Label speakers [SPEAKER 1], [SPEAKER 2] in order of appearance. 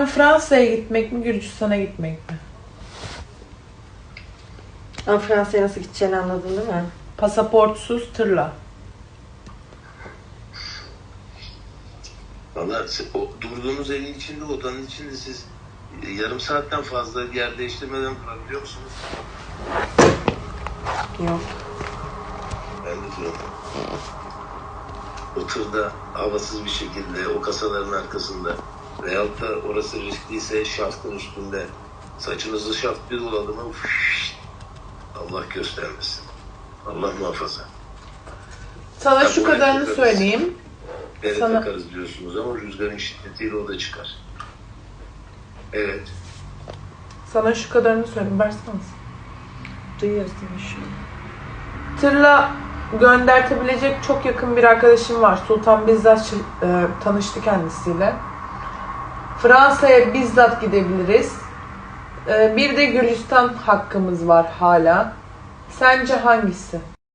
[SPEAKER 1] Plan Fransa'ya gitmek mi, Gürcistan'a gitmek mi?
[SPEAKER 2] Ama Fransa'ya nasıl gideceğini anladın değil mi?
[SPEAKER 1] Pasaportsuz tırla.
[SPEAKER 3] Valla o durduğunuz evin içinde, odanın içinde siz yarım saatten fazla yer değiştirmeden durabiliyor musunuz?
[SPEAKER 2] Yok.
[SPEAKER 3] Ben de duramam. O tırda havasız bir şekilde o kasaların arkasında veyahut da orası riskliyse şaftın üstünde saçınızı şaft bir doladı mı Allah göstermesin. Allah muhafaza.
[SPEAKER 1] Sana
[SPEAKER 3] Ya
[SPEAKER 1] şu
[SPEAKER 3] bu
[SPEAKER 1] kadarını
[SPEAKER 3] takarız.
[SPEAKER 1] söyleyeyim.
[SPEAKER 3] Bere
[SPEAKER 1] Sana-
[SPEAKER 3] takarız diyorsunuz ama rüzgarın şiddetiyle o da çıkar. Evet.
[SPEAKER 1] Sana şu kadarını söyleyeyim. Versene.
[SPEAKER 2] Duyuyoruz değil mi şu an?
[SPEAKER 1] Tırla göndertebilecek çok yakın bir arkadaşım var. Sultan bizzat tanıştı kendisiyle. Fransa'ya bizzat gidebiliriz. Bir de Gürcistan hakkımız var hala. Sence hangisi?